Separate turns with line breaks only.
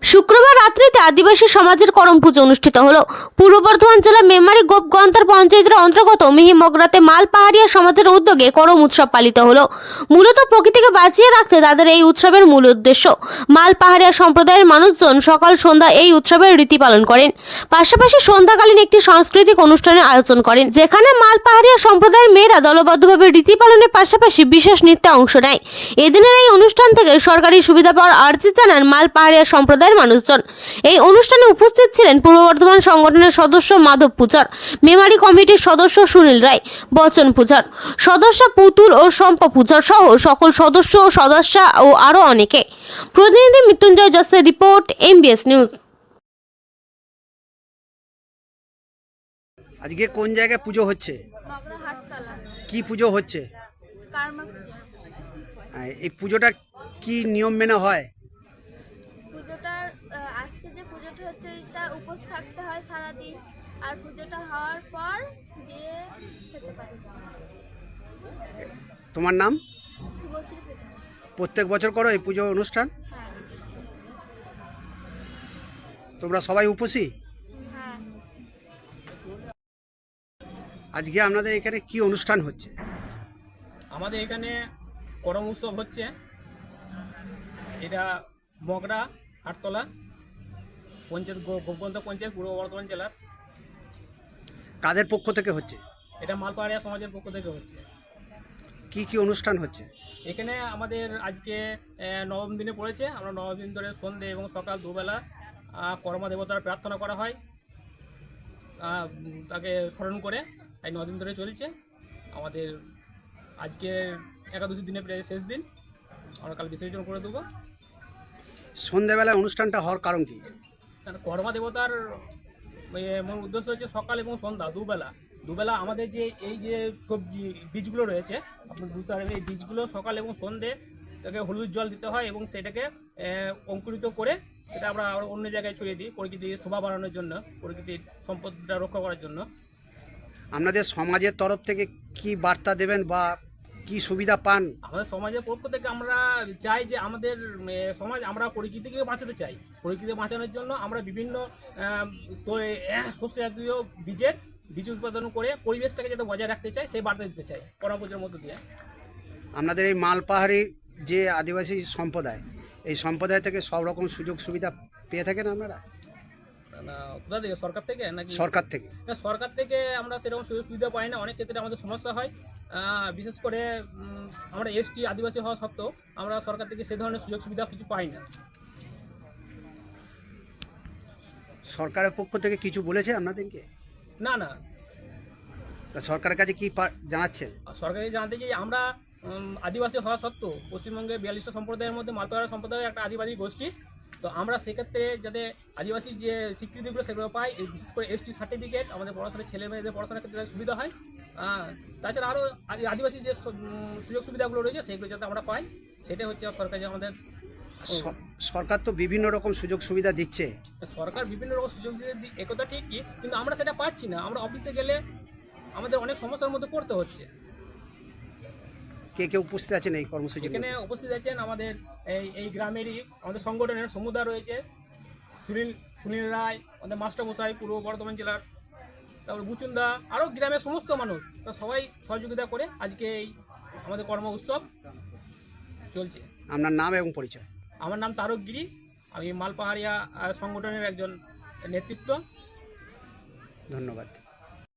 শুক্রবার রাত্রিতে আদিবাসী সমাজের করম পুজো অনুষ্ঠিত হলো। পূর্ব বর্ধমান জেলা মেমারি গোপগন্তার পঞ্চায়েতের অন্তর্গত মিহিমগরাতে মাল পাহাড়িয়া সমাজের উদ্যোগে করম উৎসব পালিত হলো। মূলত প্রকৃতিকে বাঁচিয়ে রাখতে তাদের এই উৎসবের মূল উদ্দেশ্য। মাল পাহাড়িয়া সম্প্রদায়ের মানুষজন সকাল সন্ধ্যা এই উৎসবের রীতি পালন করেন। পাশাপাশি সন্ধ্যাকালীন একটি সাংস্কৃতিক অনুষ্ঠানের আয়োজন করেন, যেখানে মাল পাহাড়িয়া সম্প্রদায়ের মেয়েরা দলবদ্ধভাবে রীতি পালনের পাশাপাশি বিশেষ নৃত্যে অংশ নেয়। এদিনের এই অনুষ্ঠান থেকে সরকারি সুবিধা পাওয়ার আর্জি জানান মাল পাহাড়িয়া সম্প্রদায়ের মানুষজন। এই অনুষ্ঠানে উপস্থিত ছিলেন পূর্ব বর্ধমান সংগঠনের সদস্য মাধব পূজার, মেমারি কমিটির সদস্য সুনীল রায়, বচন পূজার সদস্য পুতুল ও শম্পা পূজার সহ সকল সদস্য ও সদস্যা ও আরো অনেকে। প্রতিনিধি মৃত্যুঞ্জয় জসের রিপোর্ট, MBS নিউজ।
আজকে কোন জায়গায় পুজো হচ্ছে?
মগরা হাটতলা
কি পুজো হচ্ছে?
কার্মা পূজা।
এই পুজোটা কি নিয়ম মেনে হয়?
পুজোটার আজকে যে পুজোটা হচ্ছে এটা উপোস থাকতে হয় সারাদিন, আর পুজোটা হওয়ার পর দিয়ে খেতে পারি।
তোমার নাম?
শুভশ্রী পূজা।
প্রত্যেক বছর করো এই পুজো অনুষ্ঠান?
হ্যাঁ
তোমরা সবাই উপসী?
হ্যাঁ।
আজকে আপনাদের এখানে কি অনুষ্ঠান হচ্ছে?
আমাদের এখানে করম উৎসব হচ্ছে। এটা মগরা হাটতলা পঞ্চায়েত, গোপগন্তা পঞ্চায়েত, পূর্ব বর্ধমান জেলার।
কাদের পক্ষ থেকে হচ্ছে?
এটা মালপাহাড়িয়া সমাজের পক্ষ থেকে হচ্ছে।
কি কি অনুষ্ঠান হচ্ছে?
এখানে আমাদের আজকে নবম দিনে পড়েছে। আমরা নবম দিন ধরে সন্ধ্যে এবং সকাল দুবেলা কর্মা দেবতার প্রার্থনা করা হয়, তাকে স্মরণ করে। এই 9 দিন ধরে চলছে আমাদের। আজকে একাদশী দিনে প্রায় শেষ দিন, আমরা কাল বিসর্জন করে দেবো।
সন্ধ্যাবেলায় অনুষ্ঠানটা হওয়ার কারণ কি?
কারণ কর্মা দেবতার মূল উদ্দেশ্য হচ্ছে সকাল এবং সন্ধ্যা দুবেলা আমাদের যে এই যে সবজি বীজগুলো রয়েছে, আপনি বুঝতে পারবেন, এই বীজগুলো সকাল এবং সন্ধ্যে তাকে হলুদ জল দিতে হয় এবং সেটাকে অঙ্কুরিত করে সেটা আমরা অন্য জায়গায় ছড়িয়ে দিই, প্রকৃতির শোভা বাড়ানোর জন্য, প্রকৃতির সম্পদটা রক্ষা করার জন্য।
আপনাদের সমাজের তরফ থেকে কি বার্তা দেবেন বা কি সুবিধা পান?
আমাদের সমাজের পক্ষ থেকে আমরা চাই যে আমাদের সমাজ, আমরা প্রকৃতিকে বাঁচাতে চাই। প্রকৃতিকে বাঁচানোর জন্য আমরা বিভিন্ন শস্য জাতীয় বীজ উৎপাদন করে পরিবেশটাকে যাতে বজায় রাখতে চাই, সেই বার্তা দিতে চাই করম পূজার মধ্য দিয়ে।
আপনাদের এই মালপাহাড়ি যে আদিবাসী সম্প্রদায়, এই সম্প্রদায় থেকে সব রকম সুযোগ সুবিধা পেয়ে থাকেন আপনারা?
কোথা থেকে? সরকার থেকে নাকি?
সরকার থেকে।
না, সরকার থেকে আমরা সেরকম সুযোগ সুবিধা পাই না। অনেক ক্ষেত্রে আমাদের সমস্যা হয়। বিশেষ করে আমরা ST আদিবাসী হওয়া সত্ত্বেও আমরা সরকার থেকে সে ধরনের সুযোগ সুবিধা কিছু পাই না।
সরকারের পক্ষ থেকে কিছু বলেছে আপনাদেরকে?
না না,
তা সরকারের কাছে কি জানাচ্ছেন?
সরকারি জানাতে চাই আমরা আদিবাসী হওয়া সত্ত্বেও পশ্চিমবঙ্গে 42টা সম্প্রদায়ের মধ্যে মালপাহাড়া সম্প্রদায় একটা আদিবাসী গোষ্ঠী। তো আমরা সেক্ষেত্রে যাতে আদিবাসী যে স্বীকৃতিগুলো সেগুলো পাই, বিশেষ করে ST সার্টিফিকেট, আমাদের পড়াশোনার ছেলে মেয়েদের পড়াশোনার ক্ষেত্রে সুবিধা হয়। তাছাড়া আরও আদিবাসী যে সুযোগ সুবিধাগুলো রয়েছে সেগুলো যাতে আমরা পাই, সেটাই হচ্ছে সরকার যে আমাদের।
সরকার তো বিভিন্ন রকম সুযোগ সুবিধা দিচ্ছে।
সরকার বিভিন্ন রকম সুযোগ সুবিধা একথা ঠিকই, কিন্তু আমরা সেটা পাচ্ছি না। আমরা অফিসে গেলে আমাদের অনেক সমস্যার মধ্যে পড়তে হচ্ছে।
কে কে উপস্থিত আছেন এই কর্মসূচি?
এখানে উপস্থিত আছেন আমাদের এই গ্রামেরই আমাদের সংগঠনের সমুদায় রয়েছে, সুনীল রায়, আমাদের মাস্টারমশাই পূর্ব বর্ধমান জেলার, তারপর বুচুন্দা, আরও গ্রামের সমস্ত মানুষ, তা সবাই সহযোগিতা করে আজকে এই আমাদের কর্ম উৎসব চলছে।
আপনার নাম এবং পরিচয়?
আমার নাম তারক গিরি, আমি মালপাহাড়িয়া সংগঠনের একজন নেতৃত্ব।
ধন্যবাদ।